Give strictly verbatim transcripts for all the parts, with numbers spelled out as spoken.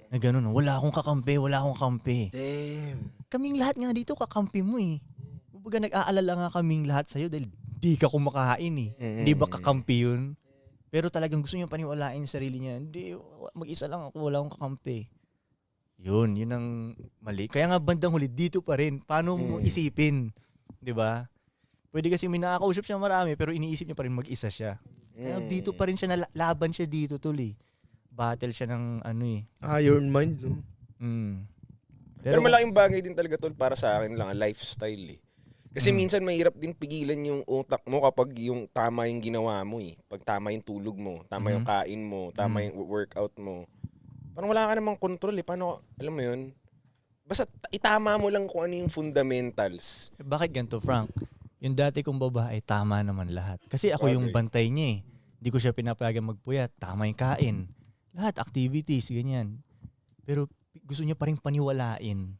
Na gano'n, wala akong kakampi, wala akong kampi. Damn. Kaming lahat nga dito, kakampi mo eh. Kumbaga nag-aalala nga kaming lahat sa'yo dahil di ka kumakain eh. Mm-hmm. Di ba kakampi yun? Pero talagang gusto niya paniwalain yung sarili niya. Hindi, mag-isa lang ako, wala akong kakampi. Yun, yun ang mali. Kaya nga bandang huli, dito pa rin. Paano mo isipin? Di ba? Pwede kasi may nakakausap siya marami pero iniisip niya pa rin mag-isa siya. Kaya dito pa rin siya, laban siya dito tuloy. Battle siya ng ano eh. Iron Mind, no? Mm. Pero, Pero malaking bagay din talaga tol para sa akin lang, lifestyle eh. Kasi Mm. minsan mahirap din pigilan yung utak mo kapag yung tama yung ginawa mo eh. Pag tama yung tulog mo, tama Mhm. yung kain mo, tama Mm. yung workout mo. Parang wala ka namang control eh. Paano, alam mo yun? Basta itama mo lang kung ano yung fundamentals. Eh, bakit ganito, Frank? Yung dati kong babae, tama naman lahat. Kasi ako yung bantay niya eh. Hindi ko siya pinapayagan magpuyat. Tama yung kain. Lahat, activities, ganyan. Pero gusto niya pa rin paniwalain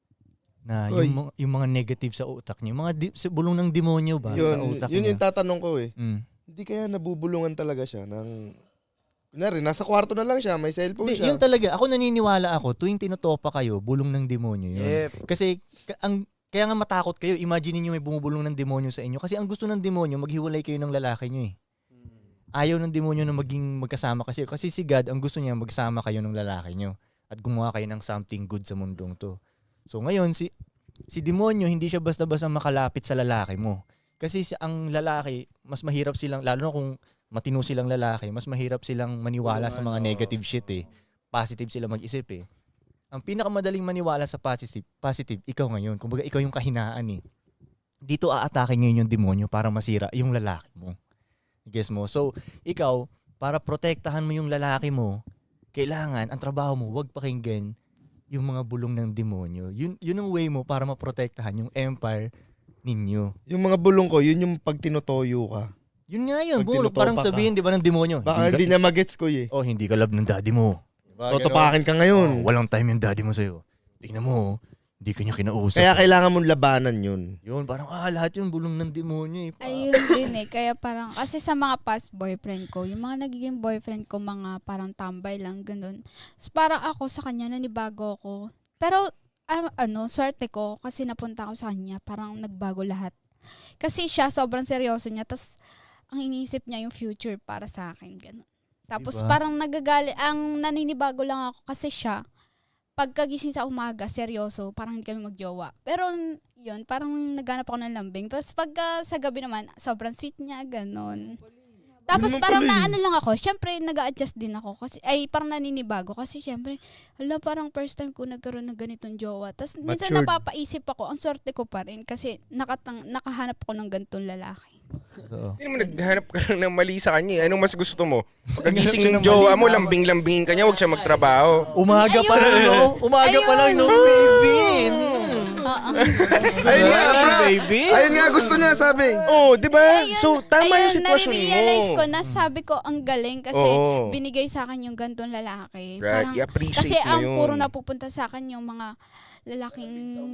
na Oy. yung, mga- yung mga negative sa utak niya. Yung mga di, sa bulong ng demonyo ba sa Yun, utak yun niya? yung tatanong ko eh. Mm. Hindi kaya nabubulungan talaga siya ng... Kunwari, nasa kwarto na lang siya, may cellphone Di, siya. yun talaga. Ako naniniwala ako, tuwing tinotopa kayo, bulong ng demonyo yun. Yep. Kasi ka- ang kaya nga matakot kayo, imagine niyo may bumubulong ng demonyo sa inyo. Kasi ang gusto ng demonyo, maghiwalay kayo ng lalaki niyo eh. Ayaw ng demonyo na maging magkasama kasi. Kasi si God, ang gusto niya, magsama kayo ng lalaki niyo. At gumawa kayo ng something good sa mundong to. So ngayon, si si demonyo, hindi siya basta-basta makalapit sa lalaki mo. Kasi si, ang lalaki, mas mahirap silang, lalo na kung matino silang lalaki, mas mahirap silang maniwala sa mga negative shit eh. Positive sila mag-isip eh. Ang pinakamadaling maniwala sa positive, positive, ikaw ngayon. Kumbaga ikaw yung kahinaan eh. Dito aatake ngayon yung demonyo para masira yung lalaki mo. Guess mo? So, ikaw, para protektahan mo yung lalaki mo, kailangan, ang trabaho mo, wag pakinggan yung mga bulong ng demonyo. Yun, yun ang way mo para maprotektahan yung empire ninyo. Yung mga bulong ko, yun yung pag tinutoyo ka. Yun nga yun, Pag bulong. tinutopa Parang ka. sabihin, di ba, ng demonyo. Baka hindi ka- niya magets ko eh. Oh, hindi ka love ng daddy mo. Diba, Totopakin ka ganun? ngayon. Oh, walang time yung daddy mo sa'yo. Tingnan mo, hindi ka niya kinausap. Kaya kailangan mong labanan yun. Yun, parang, ah, lahat yung bulong ng demonyo eh. Ayun din eh. Kaya parang, kasi sa mga past boyfriend ko, yung mga nagiging boyfriend ko, mga parang tambay lang, ganun. So, parang ako sa kanya, nanibago ako. Pero, ah, ano, swerte ko, kasi napunta ako sa kanya, parang nagbago lahat. Kasi siya, sobrang seryoso niya, tapos, ang iniisip niya yung future para sa akin, ganun. Tapos, Diba? parang nagagali, ang naninibago lang ako, kasi siya, pagkagising sa umaga, seryoso, parang hindi kami magjowa. Pero yun, parang naghanap ako ng lambing. Tapos pagka sa gabi naman, sobrang sweet niya, ganon. Tapos Ganun parang pala eh. naano lang ako, syempre nag-a-adjust din ako. Kasi, ay parang naninibago. Kasi syempre, hala parang first time ko nagkaroon ng ganitong jowa. Tapos minsan Matured. napapaisip ako, ang swerte ko pa rin. Kasi nakatang, nakahanap ako ng ganitong lalaki. Oo. Hindi naman naghanap ka lang ng mali sa kanya eh. Anong mas gusto mo? Pagkagising Naghanap ng siya ng jowa mali, mo, tama. lambing-lambingin ka niya, huwag siya magtrabaho. Umaga pa lang, Ayun. no? Umaga pa lang, no, baby? Oo. Ayun nga, Ayun, bro. baby. Ayun nga, gusto niya sabi. Oh, di ba? So, tama Ayun, yung sitwasyon mo. nare-realize ko na sabi ko ang galing kasi Oo. binigay sa akin yung gantong lalaki. Right, Parang, i-appreciate kasi mo ang yun. puro napupunta sa akin yung mga lalaking...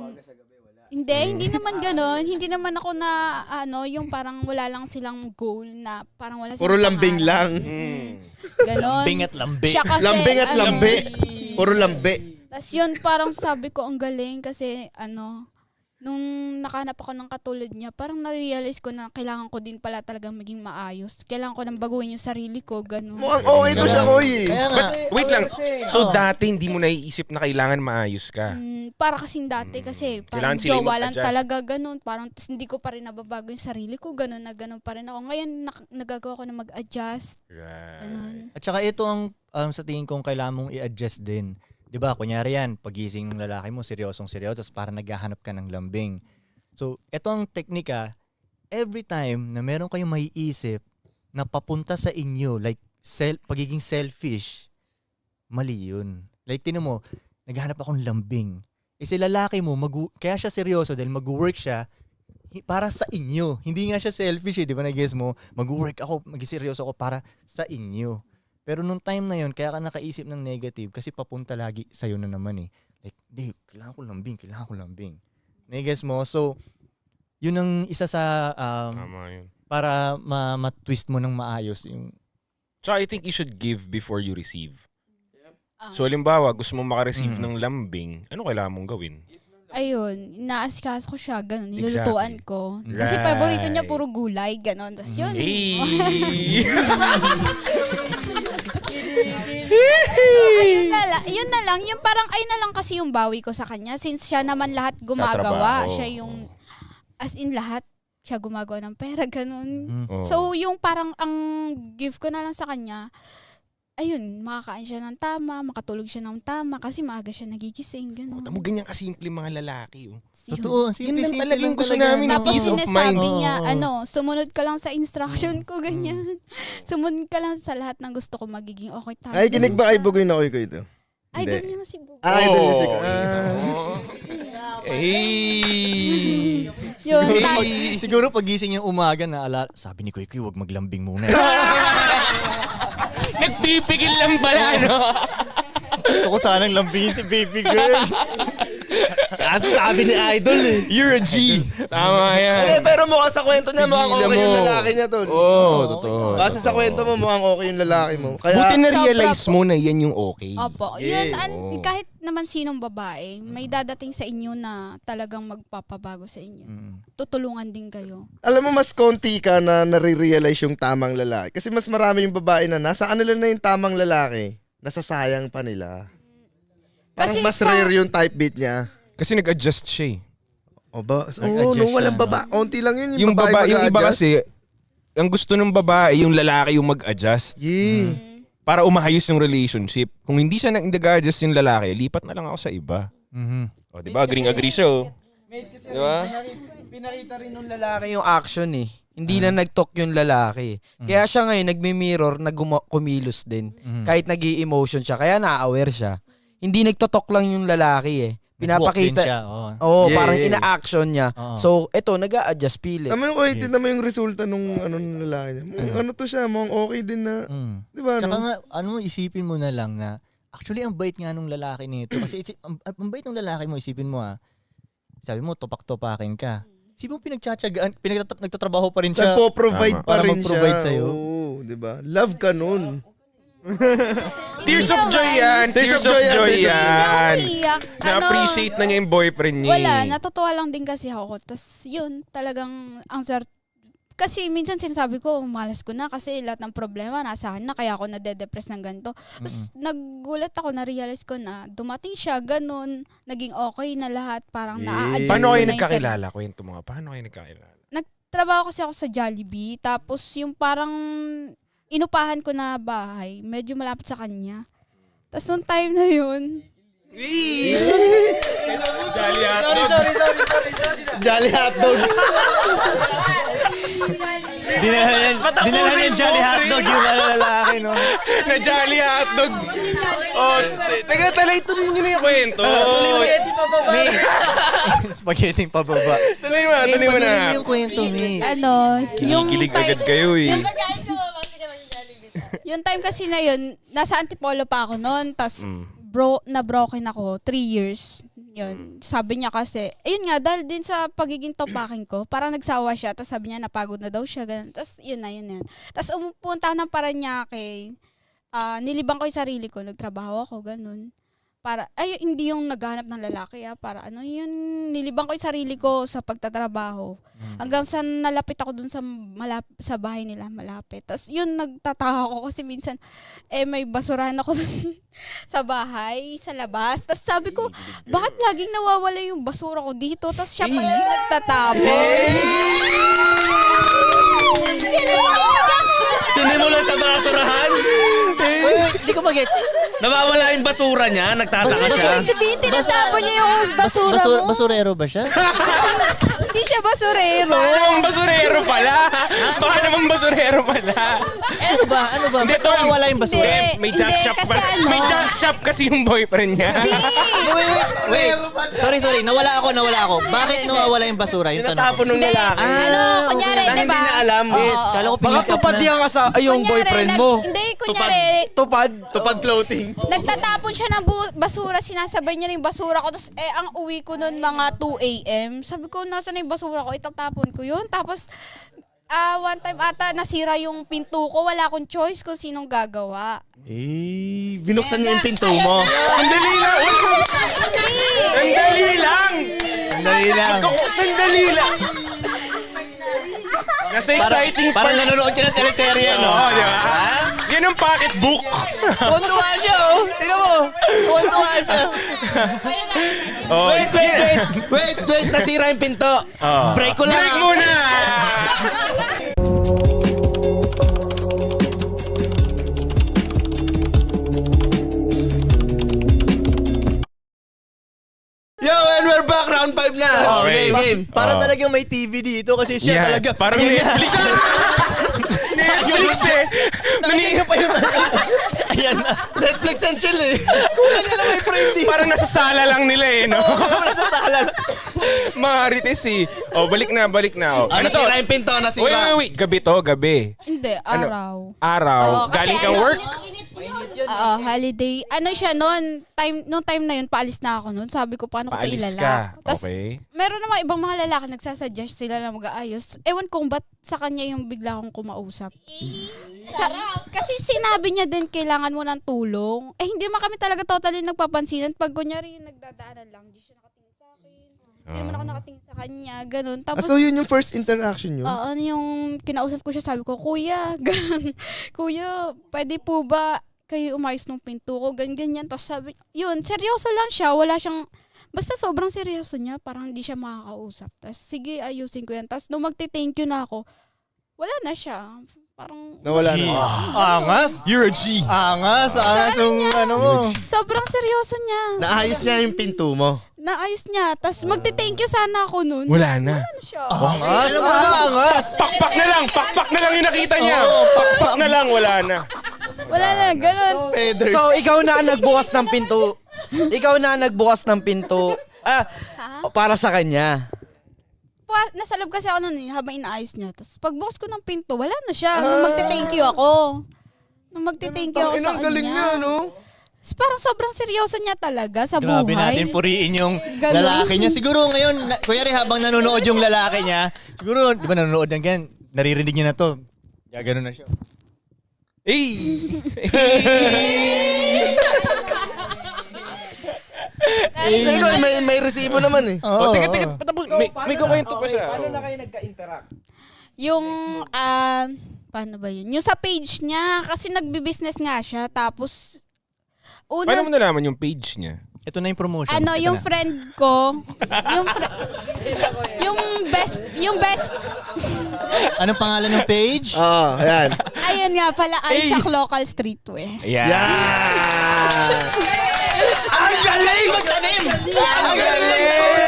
Hindi, hindi naman gano'n. Hindi naman ako na, ano, yung parang wala lang silang goal na parang wala silang Puro lambing pangarap. lang. Mm. Ganon. Lambing at lambi. Siya kasi, Lambing at ano, lambi. Puro lambi. tas yun, parang sabi ko, ang galing kasi, ano, nung nakahanap ako ng katulad niya, parang na-realize ko na kailangan ko din pala talagang maging maayos. Kailangan ko nang baguhin yung sarili ko, gano'n. Mukhang okay to siya, Koy. eh. Kaya nga, Wait lang. So, Oo. dati hindi mo naiisip na kailangan maayos ka. Mm, para kasing dati kasi parang Kailangan sila yung jowa lang mag-adjust. talaga ganun. Parang tas hindi ko pa rin nababago yung sarili ko. Ganun na ganun pa rin ako. Ngayon nak- nagagawa ko na mag-adjust. Right. Ganun. at saka ito ang um, sa tingin kong kailangan mong i-adjust din. 'Di ba? Kunyari yan, pagising ng lalaki mo, seryosong seryoso, tapos parang naghahanap ka ng lambing. So, ito ang teknika. Every time na meron kayong maiisip na papunta sa inyo, like sel- pagiging selfish, mali yun. Like, tinan mo, naghahanap akong lambing. Eh, si lalaki mo, mag- kaya siya seryoso dahil mag-work siya hi- para sa inyo. Hindi nga siya selfish eh, di ba na-guess mo? Mag-work ako, mag-seryoso ako para sa inyo. Pero nung time na yun, kaya ka nakaisip ng negative kasi papunta lagi sa'yo na naman eh. Like, di, kailangan ko lambing, kailangan ko lambing. Na-guess mo? So, yun ang isa sa, um, Tama yun. para ma- ma-twist mo ng maayos yung, So, I think you should give before you receive. Ah. So, halimbawa, gusto mo makareceive Mm. ng lambing, ano kailangan mong gawin? Ayun, inaasikaso ko siya, ganun, nilulutuan Exactly. ko. Kasi Right. paborito niya puro gulay, ganun. Tapos yun. Hey! Ayun na lang, yun na lang, yung parang ayun na lang kasi yung bawi ko sa kanya since siya naman lahat gumagawa. Tatrabaho. Siya yung, as in lahat, siya gumagawa ng pera, ganun. Mm. Oh. So, yung parang ang gift ko na lang sa kanya, ayun, makakain siya ng tama, makatulog siya ng tama, kasi maaga siya nagigising, gano'n. Tamo ganyan kasimple mga lalaki. Oh. Totoo, Yun simple, lang simple talaga yung lang gusto talaga, namin, no? Tapos peace of sinasabi mind. niya, Oo. ano, sumunod ka lang sa instruction ko, ganyan. Sumunod ka lang sa lahat ng gusto ko magiging okay. Tama Ay, kinig ba kay siya. Bugoy na Koy Koy ito? Idol Hindi. niya nga si Bugoy. Ah, idol niya si Oh, Ah. Hey! Yun, Siguro, tas, pag, siguro pagising yung umaga na ala, sabi ni Kuy Kuy, huwag maglambing muna. Nagpipigil lang pala, no? Gusto ko sanang lambingin si baby girl. Kaso sabi ni Idol eh. You're a G. Tama Hindi, yan. pero mukha sa kwento niya, mukhang Pigilan okay yung mo. lalaki niya, tol. Oo, oh, totoo. Kasi sa totoo. kwento mo, mukhang okay yung lalaki mo. Kaya, Buti na-realize Sobra mo na yan yung okay. opo, Yeah. yun, an, Oo. kahit naman sinong babae, may dadating sa inyo na talagang magpapabago sa inyo. Mm. Tutulungan din kayo. alam mo, mas konti ka na nare-realize yung tamang lalaki. Kasi mas marami yung babae na nasa kanila na yung tamang lalaki. Nasasayang pa nila. Parang Kasi mas sa- rare yung type beat niya. Kasi nag-adjust siya eh. O ba? Oo, Nag-adjust no, siya, walang no? baba. Onti lang yun. Yung, Yung babae, baba, yung iba mag-a-adjust. kasi, ang gusto ng babae, yung lalaki yung mag-adjust Yeah. Mm. para umahayos yung relationship. Kung hindi siya nang nag-adjust yung lalaki, lipat na lang ako sa iba. Mhm. O, di ba? Agreeing-agree siya, oh. Di ba? Pinakita rin nung lalaki yung action eh. Hindi na nag-talk yung lalaki. Kaya siya ngayon nagmi-mirror na guma- kumilos din. Mhm. Kahit nag-i-emotion siya. Kaya na-aware siya. Hindi nagtotok lang yung lalaki eh. Nag-walk din Pinapakita. siya, oo. Oo, Yeah, parang yeah. ina-action niya. Oo. So, eto, nag-a-adjust pilit. Tama yung kuya, tignan mo yung resulta nung ano ng lalaki niya. Mukhang ano to siya, mukhang okay din na. Mm. Di ba, Tsaka no? nga, ano mo, isipin mo na lang na, actually, ang bait nga nung lalaki nito. Kasi, isi- ang, ang bait ng lalaki mo, isipin mo ah, sabi mo, topak-topakin ka. Isipin mo, pinagtsatsagaan, pinagtat- nagtatrabaho pa rin siya. Nagpo-provide Tama. pa Para rin mag-provide siya. sa'yo. Oo, di ba? Love ka nun. Tears of joy yan. Tears of joy Tears of- Hindi ako yan. umiiyak. Ano, Na-appreciate na niya yung boyfriend niya. wala, eh. natutuwa lang din kasi ako. Tapos yun, talagang ang swerte. Kasi minsan sinasabi ko, malas ko na kasi lahat ng problema nasa akin na kaya ako nade-depress ng ganito. Tapos nagulat ako, na-realize ko na dumating siya, ganun, naging okay na lahat, parang Yeah. na-adjust Paano ko kayo na yung nagkakilala? Kwento mo nga. Paano kayo nagkakilala? trabaho kasi ako sa Jollibee, tapos yung parang inupahan ko na bahay, medyo malapit sa kanya. Tapos nung time na yun, Jolly hotdog. Jolly hotdog. Dinala niya, dinala niya yung Jolly Hotdog yung ano, lalaki, no? Na jolly hotdog. Oh, te- teka, talay, tuloy niyo na yung kwento. May, spaghetti pababa. Tuloy mo, May, tuloy mo patuloy mo na. yung kwento, May. ano, yung Kinikilig time, agad kayo eh. yung time kasi na yun, nasa Antipolo pa ako noon, tapos Mm. bro, na-broken ako, three years. Yun. Sabi niya kasi, ayun nga, dahil din sa pagiging topaking ko, parang nagsawa siya, tapos sabi niya, napagod na daw siya, ganun. Tapos yun na, yun na yun. Tapos umupunta ako ng Paranaque, ah nilibang ko yung sarili ko, nagtrabaho ako, ganun. Para, ay, hindi yung naghanap ng lalaki, ah, para ano yun, nilibang ko yung sarili ko sa pagtatrabaho. Hanggang sa nalapit ako dun sa, malap, sa bahay nila, malapit. Tapos yun, nagtataka ako kasi minsan, eh, may basurahan ako dun sa bahay, sa labas. Tapos sabi ko, bakit laging nawawala yung basura ko dito? Tapos siya pa yung nagtatapon. Sinimula sa basurahan. Hindi ko mag-gets. Nawawala yung basura niya, nagtataka siya. Sabihin, tinatapon niya yung basura Basura, mo. basurero ba siya? Hindi siya basurero. Baka naman basurero pala. Baka naman basurero pala. Ano ba? Ano ba? Hindi, Ba't Tol. nawawala yung basura? Hindi. Eh, may junk Hindi, shop kasi pa. ano? May junk shop kasi yung boyfriend niya. Wait, wait, wait. Sorry, sorry. Nawala ako, nawala ako. Bakit nawawala yung basura? Yung tanong ko. Tinatapon ng Hindi. lalaki. ano, Ah, kunyari, Na di hindi ba? niya alam. Oo. Yes, kala ko Baka pinick up tupad na. yan ka sa ay, yung Kunyari, boyfriend nag- mo. Hindi, kunyari, Tupad. Tupad clothing. nagtatapon siya ng bu- basura, sinasabay niya yung basura ko. Tapos, eh, ang uwi ko noon mga two a.m. Sabi ko, nasa na yung basura ko? Itatapon ko yun. Tapos, ah, one time ata nasira yung pinto ko. Wala akong choice kung sinong gagawa. Eh, binuksan niya yung pinto mo. Sandali lang! Sandali lang! Sandali lang. Sandali lang! Nasa exciting Parang part. nanonood siya ng teleserye, no? Oo, di ba? Yan ang pocketbook. Tuwan-tuwa siya, oh. Tingnan mo. Tuwan-tuwa siya. Oh, Wait, wait, wait. Wait, wait. Nasira yung pinto. Oh. Break ko lang. Break muna! Yo, and we're back. Round five na. Oh, Okay. game, game. Para Oh. talagang may T V dito kasi siya Yan. talaga. Parang Netflix. Netflix eh. Nani pa yun. Ayan na. Netflix and chill eh. Kulang nila may frame dito. Parang nasa sala lang nila eh, no? Oo, nasa sala. Mga Rites eh. Oh, balik na, balik na. Oh. Ah, Ano to? nasira yung pinto, Wait, nasira. wait, wait. Gabi to, gabi. Hindi, Ano? araw. Araw. Oo, kasi Galing kang ano, work? Oo, holiday. Ano siya noon? Time, noong time na yun, paalis na ako noon. Sabi ko, paano ko ito Paalis ilala? ka. Tapos, Okay. meron naman ibang mga lalaki nagsasuggest sila na mag-aayos. Ewan kong ba't sa kanya yung bigla akong kumausap. Sa, kasi sinabi niya din, kailangan mo ng tulong. Eh, hindi naman kami talaga totally nagpapansinan. Pag kunyari yung nagdadaanan lang, hindi siya nakatingin sa akin. Hindi naman ako nakatingin sa kanya. Ganun. Ah, Tapos, so yun yung first interaction nyo? Oo, ano yung kinausap ko siya, sabi ko, Kuya, ganun. Kuya, pwede po ba kayo umayos ng pinto ko, ganyan, ganyan. Tapos sabi, yun, seryoso lang siya, wala siyang, basta sobrang seryoso niya, parang hindi siya makakausap. Tapos, sige, ayusin ko yan. Tapos, nung magti-thank you na ako, wala na siya. Parang, Nawala na. Angas. You're a G. Angas. Angas yung ano mo. sobrang seryoso niya. Naayos niya yung pinto mo. Naayos niya. Tapos, magti-thank you sana ako nun. Wala na. Ano siya? Angas. Ano angas? Pakpak na lang! Pakpak na lang yung nakita niya! Pakpak na lang, wala na. Wala na, ganun. Feathers. So, ikaw na ang nagbukas ng pinto. Ikaw na ang nagbukas ng pinto. Ah, Ha? para sa kanya. Pa- nasa loob kasi ako nun eh, habang inaayos niya. Tapos pagbukas ko ng pinto, wala na siya. Nung magte-thank you ako. Nung magte-thank you ako sa kanya. galing niya, no? Tapos parang sobrang seryoso niya talaga sa Grabe buhay. natin puriin yung Ganun. lalaki niya. Siguro ngayon, na, kunyari habang nanonood yung lalaki niya, siguro, di ba nanonood ng ganyan, naririnig niya na to. Gaganon na siya. Hey! Hindi ko, may, may resibo naman eh. Oh, teka, teka, patapos. May, may kukwento pa siya. Paano Oh. na kayo nagka-interact? Yung, ah, paano ba yun? Yung sa page niya, kasi nagbi-business nga siya. Tapos, Paano mo una, nalaman yung page niya? Ito na yung promotion. ano, Ito yung na. friend ko, yung, fr- yung best, yung best, Anong pangalan ng page? Oo, oh, ayan. ayun nga pala, Isaac Local Streetwear. Yeah. Yeah! Ang galing magtanim! Ang galing!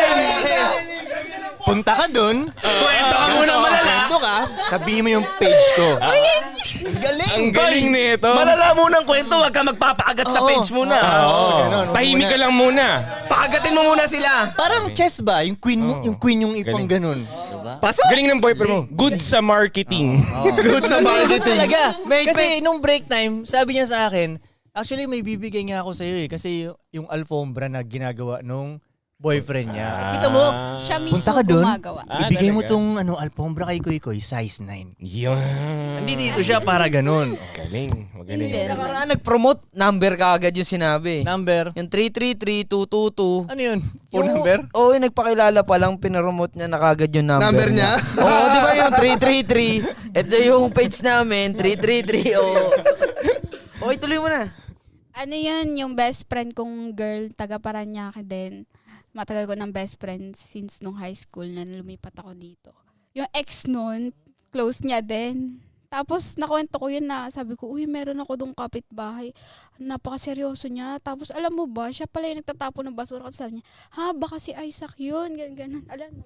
Punta ka dun. Kwento ka muna malala. Kwento ka. Sabihin mo yung page ko. Ang galing. Ang galing nito. Malala muna ang kwento, wag ka magpapakagat sa Oo. page muna. Oo, ganun. Tahimik ka lang muna. Pakagatin mo muna sila. Parang chess ba? Yung queen mo, yung queen yung ipang ganun. Diba? Pasok! Galing ng boyfriend mo. Good sa marketing. Good sa marketing. Talaga. May- Kasi nung break time, sabi niya sa akin, actually may bibigay nga ako sa'yo eh. Kasi yung alfombra na ginagawa nung boyfriend niya. Kita mo, Siya mismo punta ka dun, gumagawa. Ah, ibigay mo talaga? tong ano, alfombra kay Kuy Kuy, size nine. Yun. Hindi dito siya para ganun. Galing. Magaling. Hindi. Nakaraan nag-promote, number ka agad yung sinabi. Number. Yung three three three two two two. Ano yun? Phone number? Oo, yung nagpakilala pa lang, pinaromote niya na kagad yung number, Number niya? Oo, di ba yung three three three? Ito yung page namin, three three three. Oo. Okay, tuloy mo na. Ano yun, yung best friend kong girl, taga Paranaque din. Matagal ko ng best friend since nung high school na lumipat ako dito. Yung ex nun, close niya din. Tapos nakwento ko yun na sabi ko, uy, meron ako dong kapitbahay. Napakaseryoso niya. Tapos alam mo ba, siya pala yung nagtatapon ng basura. Kasi sabi niya, ha, baka si Isaac yun. Ganun, ganun. Alam mo.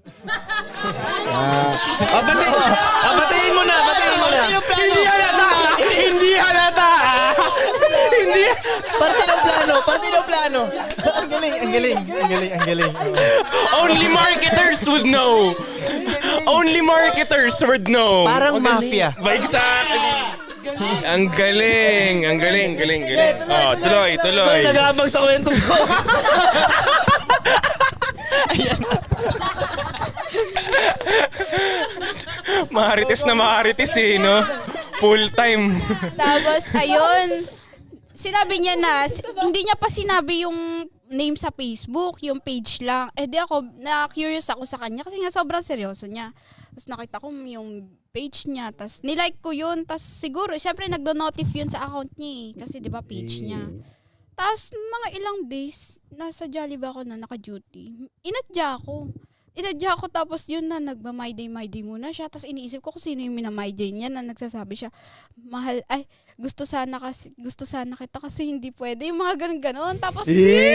Ah, batiin, ah, batiin mo na, batiin mo na. Hindi halata! Hindi halata! Hindi. Parte ng plano, parte ng plano. Ang galing, ang galing, ang galing, ang galing. Only marketers would know. Only marketers would know. Parang mafia. Ba, exactly. Ang galing. Ang galing, galing, galing. Oh, tuloy, tuloy. Ay, nag-aabang sa kwento ko. Marites na marites eh, no? Full time. Tapos, ayun, sinabi niya na, si- hindi niya pa sinabi yung name sa Facebook, yung page lang. Eh di ako, na-curious ako sa kanya kasi nga sobrang seryoso niya. Tapos nakita ko yung page niya, tapos nilike ko yun, tapos siguro, syempre nagdo-notif yun sa account niya eh, kasi di ba page niya. Tapos mga ilang days, nasa Jollibee ako na naka-duty. Inadya ako. Inadya ako tapos yun na nagma-my day, my day muna siya. Tapos iniisip ko kung sino yung mina-my day niya na nagsasabi siya, mahal, ay, gusto sana kasi, gusto sana kita kasi hindi pwede. Yung mga ganun-ganon. Tapos,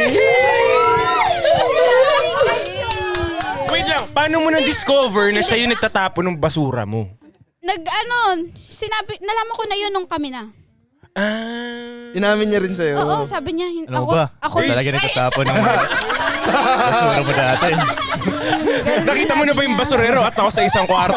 Wait lang, paano mo na-discover na siya yung nagtatapon ng basura mo? nag, ano, sinabi, nalaman ko na yun nung kami na. Ah. Inamin niya rin sa'yo. Oo, sabi niya, hin- Ano ako, ba? ako, Ako talaga nagtatapon ng basura mo dati. ganun Nakita mo na sinabi ba yung niya. basurero at ako sa isang kwarto?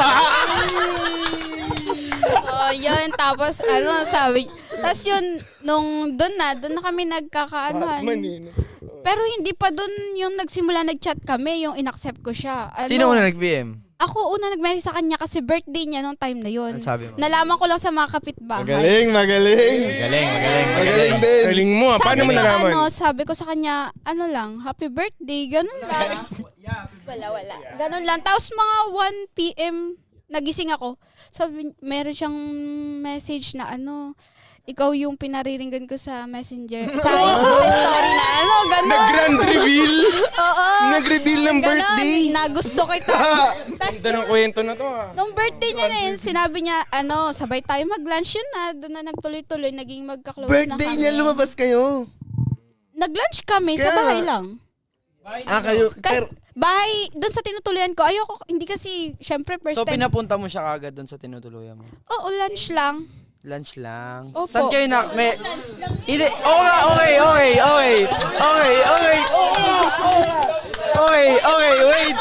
Oh, yun. Tapos, ano, sabi, tapos yun, nung doon na, doon na kami nagkakaanoan. Pero hindi pa doon yung nagsimula nag-chat kami, yung inaccept ko siya. Ano, Sino una nag-B M? Ako una nag-message sa kanya kasi birthday niya nung time na yun. Ano sabi mo? Nalaman ko lang sa mga kapitbahay. Magaling, magaling. Magaling, magaling, Magaling magaling. din. Galing mo ah, paano Sabi mo ko, nalaman? ano, sabi ko sa kanya, ano lang, happy birthday, ganun lang. Wala, wala. Ganun lang. Tapos mga one p.m. nagising ako. Sabi, meron siyang message na ano, ikaw yung pinariringgan ko sa messenger. Sa, sa story na ano, ganun. Nag-grand reveal? Oo. Nag-reveal ng Ganun, birthday? na gusto kita. Tapos, Ganda ng kwento na to ah. nung birthday niya na yun, sinabi niya, ano, sabay tayo mag-lunch yun na. Doon na nagtuloy-tuloy, naging magka-close na kami. Birthday niya, lumabas kayo. Nag-lunch kami sa Kaya- bahay lang. Ah, kayo. Ka- Pero, bahay, doon sa tinutuluyan ko, ayoko, hindi kasi, syempre, first So, time. pinapunta mo siya kagad doon sa tinutuluyan mo? Oo, lunch lang. Lunch lang. Opo. Saan kayo na... May... Hindi. Oo nga, okay, okay, okay. Okay, okay. Okay, okay, wait.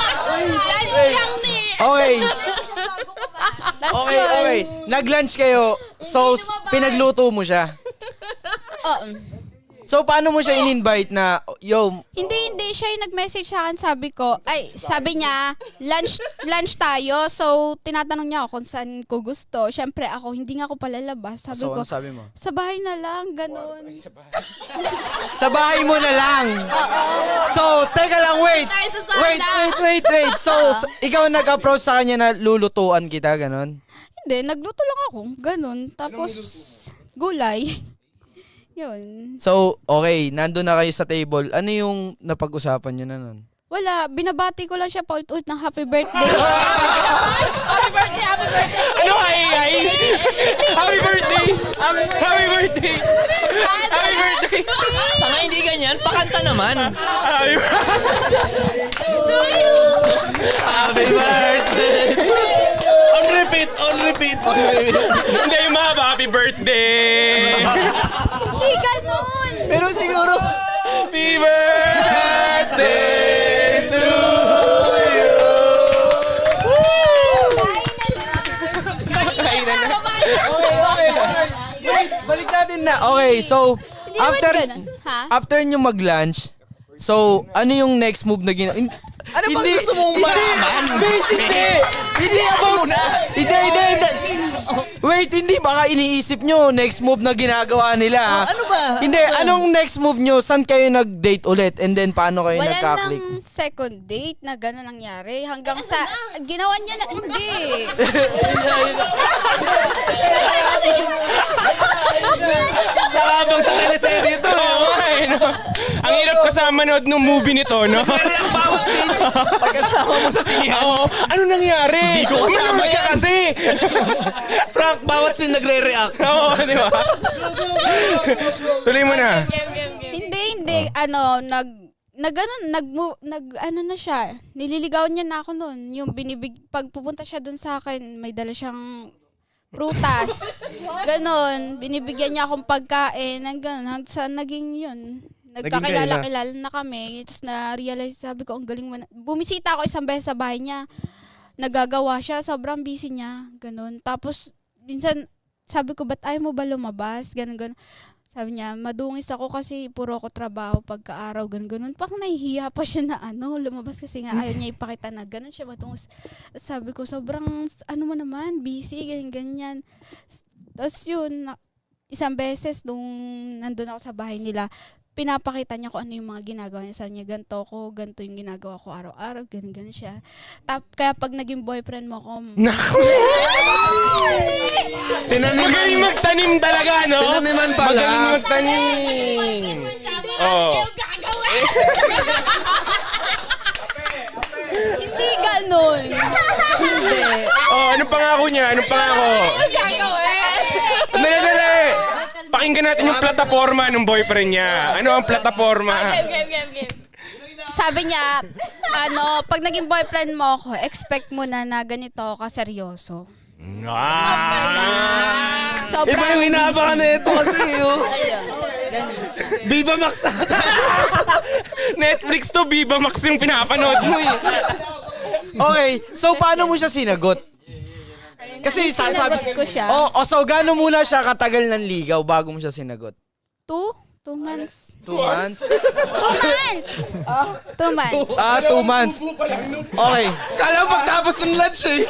Okay. Tapos Okay, yun, okay. Nag-lunch kayo. So, s- pinagluto mo siya. oo. So, paano mo siya in-invite na, yo, Hindi, hindi. Siya yung nag-message sa akin, sabi ko, ay, sabi niya, lunch lunch tayo. So, tinatanong niya ako kung saan ko gusto. Syempre, ako, hindi nga ako palalabas. Sabi so, ko, ano sabi mo? sa bahay na lang, ganun. Sa bahay mo na lang. So, teka lang, wait. Wait, wait, wait, wait. So, s- ikaw nag-approach sa kanya na lulutuan kita, ganon? Hindi, nagluto lang ako, ganun. Tapos, gulay. Yun. So, okay, nandun na kayo sa table. Ano yung napag-usapan nyo na nun? Wala, binabati ko lang siya paulit-ulit ng happy birthday. happy birthday, happy birthday. Ano ay ay? Happy birthday! Happy birthday! Happy birthday! Tanga, hindi ganyan. Pakanta naman. Happy happy birthday. On repeat, on repeat, on repeat. Hindi yung mahaba, happy birthday! Hindi ganun. Pero siguro, Happy birthday to you! Kainan na. Okay, okay. Wait, balik natin na. Okay, so, Hindi naman after, ganun. Ha? after nyo mag-lunch, so, ano yung next move na gina... in- ano bang gusto mong malaman? Wait, hindi! Hindi about... Hindi, hindi, hindi. Wait, hindi. Baka iniisip nyo, next move na ginagawa nila. ha? ano ba? Hindi, anong next move nyo? Saan kayo nag-date ulit? And then, paano kayo Wala nagka-click? nang second date na gano'n nangyari. Hanggang sa, ginawa niya na, hindi. Nakabang sa teleserye to. Oo nga eh, no? Ang hirap kasama nood ng movie nito, no? Pero ang bawat scene, pagkasama mo sa sinihan. Oo. Ano nangyari? Hindi ko kasama ka yan. kasi. Frank, bawat scene nagre-react. Oo, di ba? Tuloy mo na. Hindi, hindi. Ano, nag, nag, ano, nag, nag, ano na siya. Nililigawan niya na ako noon. Yung binibig, pag pupunta siya dun sa akin, may dala siyang prutas. Ganon. Binibigyan niya akong pagkain. Ang ganon. Hanggang sa naging yun. Nagkakilala-kilala na kami. Tapos na-realize, sabi ko, ang galing mo na. Bumisita ako isang beses sa bahay niya. Nagagawa siya. Sobrang busy niya. Ganon. Tapos, minsan, sabi ko, ba't ayaw mo ba lumabas? Ganon, ganon. Sabi niya, madungis ako kasi puro ako trabaho pagka-araw, ganun, ganun. Parang nahihiya pa siya na ano, lumabas kasi nga ayaw niya ipakita na ganun siya madungis. Sabi ko, sobrang, ano mo naman, busy, ganyan, ganyan. Tapos yun, na- isang beses nung nandun ako sa bahay nila, pinapakita niya kung ano yung mga ginagawa niya. Sabi niya, ganito ko, ganito yung ginagawa ko araw-araw, ganun, ganun siya. Tap, kaya pag naging boyfriend mo ko, Naku! Tinaniman. Magaling magtanim talaga, no? Tinaniman pala. Magaling magtanim. Oo. hindi ganun. Hindi. Oh, anong pangako niya? Anong pangako? Dali, dali. Pakinggan natin yung plataforma ng boyfriend niya. Ano ang plataforma? Sabi niya, ano, pag naging boyfriend mo ako, expect mo na na ganito ka seryoso. Ah! Sobrang Iba yung inaabangan na ito kasi, oh. Ayun, ganun. Viva Max ata. Netflix to, Viva Max yung pinapanood mo eh. Okay, so paano mo siya sinagot? Kasi sa sabi Sinagot ko siya. Oh, oh, so gaano muna siya katagal ng ligaw bago mo siya sinagot? Two? Two months? Two months? Two months! Two months. Ah, two months. Okay. Kala mo pagtapos ng lunch eh.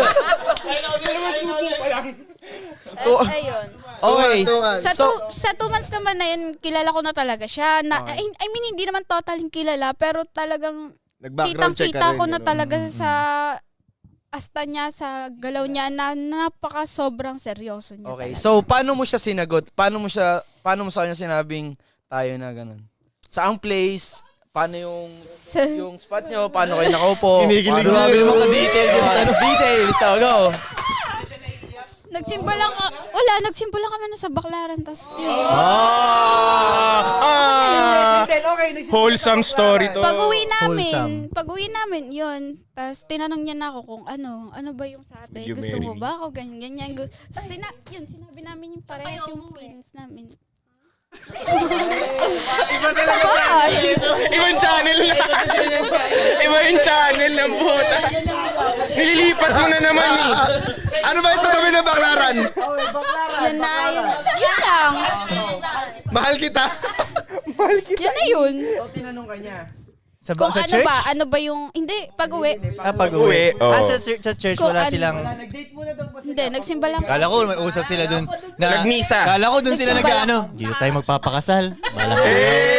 Two, At ayun. okay. Sa, So, two, sa two months naman na yun, kilala ko na talaga siya. Na, I, I mean, hindi naman totaling kilala, pero talagang Nag-background check ka kitang-kita rin. ko na ano? talaga sa asta niya, sa galaw niya, na napaka sobrang seryoso niya okay. talaga. So, paano mo siya sinagot? Paano mo siya paano mo sa kanya sinabing tayo na ganun? Saang place? Paano yung Sa- yung spot nyo? Paano kayo nakaupo? Kinikilig Paano- na Grabe yun. naman ka-detail yung tanong. Details. So, go. Nagsimba lang, ka- wala, nagsimba lang kami na sa Baklaran, tas yun. Ah! Ah! Wholesome story to. Pag uwi namin, Wholesome. pag uwi namin, yun. Tapos tinanong niya na ako kung ano, ano ba yung sa atin? You Gusto marry mo me? ba ako? Ganyan, ganyan. Gu- Sina yun, sinabi namin yung parehas yung feelings namin. Sa bahay. Ibang channel na. Iba yung channel ng puta. Nililipat mo na naman eh. Ano ba yung sa tabi ng baklaran? Yun na, yun, yun lang. Mahal kita. Yun na yun. So, tinanong ka niya. Sa, ba, Kung sa ano church? ba, ano ba yung, hindi, pag uwi. Ah, pag Uwi, uwi. oo. Ah, sa, chur- sa church Kung wala ano- silang... Nag-date muna daw ba sila? Hindi, nagsimba lang. Kala ko may usap sila dun. Na, Nagmisa. Kala ko dun sila Nagsimba nag-ano. Dito tayo magpapakasal. Bala ko.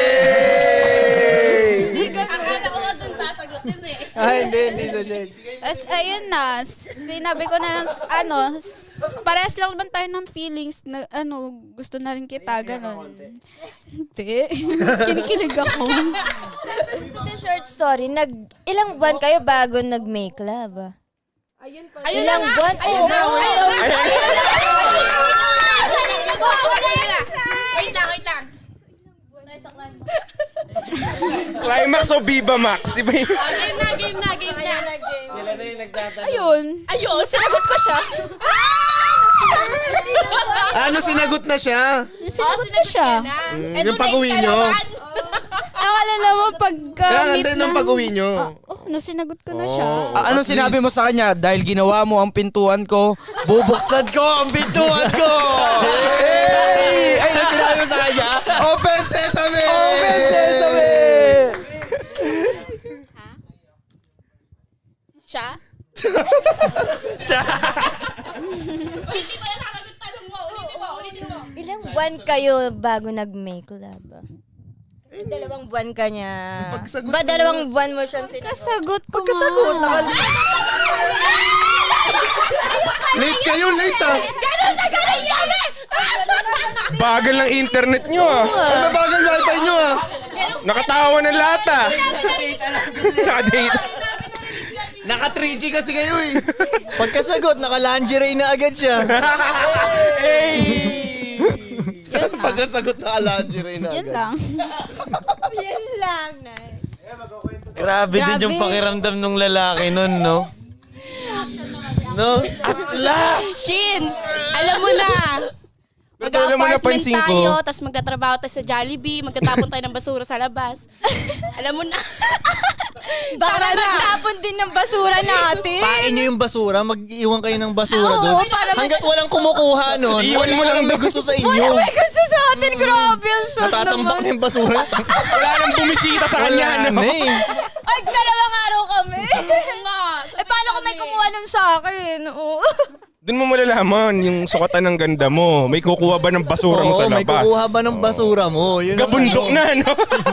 Hindi ka, akala ko nga dun sasagutin eh. Ah, hindi, hindi sa church. As, ayun na, sinabi ko na, ano, s- parehas lang naman tayo ng feelings na, ano, gusto na rin kita, gano'n. Hindi. Kinikilig ako. To the short story, nag ilang buwan kayo bago nag-make love? Ayun Ilang buwan? Ayun na, ayun na. Wait lang, wait lang. Climax o Viva Max? Iba yung... Ah, game na, game na, game na. Sila na yung nagtatanong. Ayun. Ayun, sinagot ko siya. Ano, sinagot na siya? Sinagot ko siya. Mm, yung pag-uwi nyo. Akala naman pagka Kaya meet hindi nung na- pag-uwi nyo. Ah, oh, no, sinagot ko na siya. Oh. Ah, anong At sinabi least. mo sa kanya? Dahil ginawa mo ang pintuan ko, bubuksan ko ang pintuan ko! Hey! Ay, ano sinabi mo sa kanya? Open Sesame! Open Sesame! Siya? Ilang buwan kayo bago nag-make love? Ay, dalawang buwan ka niya. Pagsagot Ba, mo dalawang buwan mo siyang sinagot? Kasagot ko Kasagot, nga. nakal... Late kayo, late ah. Bagal ng internet nyo ah. Ang mabagal wifi nyo ah. Nakatawa ng lahat ah. Nakadate. Naka three G kasi kayo eh. Pagkasagot, naka-lingerie na agad siya. Hey! Pagkasagot na lingerie na Yan agad. lang. Yan lang, Nay. Grabe din Grabe. yung pakiramdam ng lalaki nun, no? No? At last! Shin, alam mo na. Pero alam mo, Mag-apartment napansin ko. tayo, tapos magtatrabaho tayo sa Jollibee, magtatapon tayo ng basura sa labas. Alam mo na. Baka magtapon din ng basura natin. Pain nyo yung basura, mag-iwan kayo ng basura Oo, doon. para may- Hanggat walang kumukuha nun, Iiwan wala mo lang lang may doon. gusto sa inyo. Wala may gusto sa atin. Grabe, ang sad Natatambak naman. na yung basura. Wala nang bumisita sa kanya, Wala no? na eh. Ay, dalawang araw kami. Oo nga. Eh, paano kung may kumuha nun sa akin? Oo. Doon mo malalaman yung sukatan ng ganda mo. May kukuha ba ng basura mo Oo, sa labas? may kukuha ba ng basura mo? Yun ang- Gabundok na, no?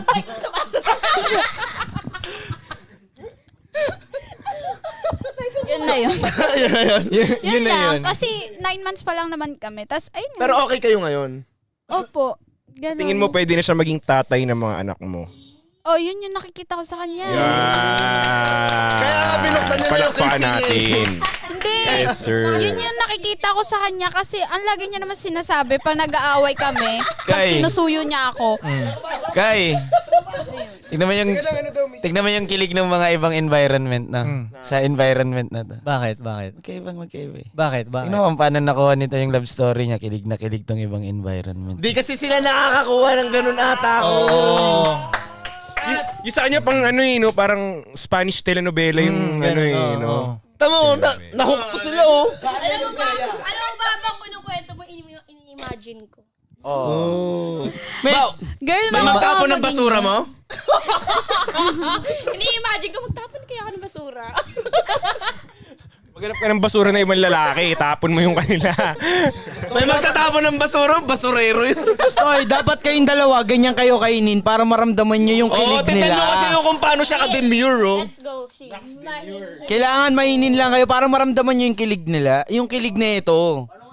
Yun na yun. Yun na yun. Yun, Yun, yun na lang. yun. Kasi nine months pa lang naman kami. Tapos, ayun. Pero okay kayo ngayon. Opo. Ganun. Tingin mo pwede na siya maging tatay ng mga anak mo. Oh, yun yung nakikita ko sa kanya. Yan. Kaya nga binuksan niya na yung Palakpakan kay Fing eh. natin. Hindi. Yes, sir. Yun yung nakikita ko sa kanya kasi ang lagi niya naman sinasabi pag nag-aaway kami, pag Kay. sinusuyo niya ako. Kay, tignan mo yung, tignan mo yung kilig ng mga ibang environment na. Hmm. Sa environment na to. Bakit? Bakit? Magkaibang magkaiba eh. Bakit? Bakit? Tignan mo kung paano nakuha nito yung love story niya. Kilig na kilig tong ibang environment. Di kasi sila nakakakuha ng ganun ata. Oo. Y- yung sa kanya pang ano eh, no? Parang Spanish telenovela yung Mm, ano ganun, eh, oo, no? oo. Tama mo, na, nahook to sila oh. Alam mo ba, alam mo ba bang kinukwento mo, ini- ini-imagine ko? Oh. Girl, May mga magtapon ng maging- basura mo? Ini-imagine ko, magtapon kaya ako ng basura. Maghanap ka ng basura na ibang lalaki, tapon mo yung kanila. May magtatapon ng basura, basurero yun. Stoy, dapat kayong dalawa, ganyan kayo kainin para maramdaman nyo yung Oo, kilig titan nila. nyo kasi yung kung paano siya ka-demure oh. Let's go, she. Kailangan mainin lang kayo para maramdaman nyo yung kilig nila. Yung kilig na ito.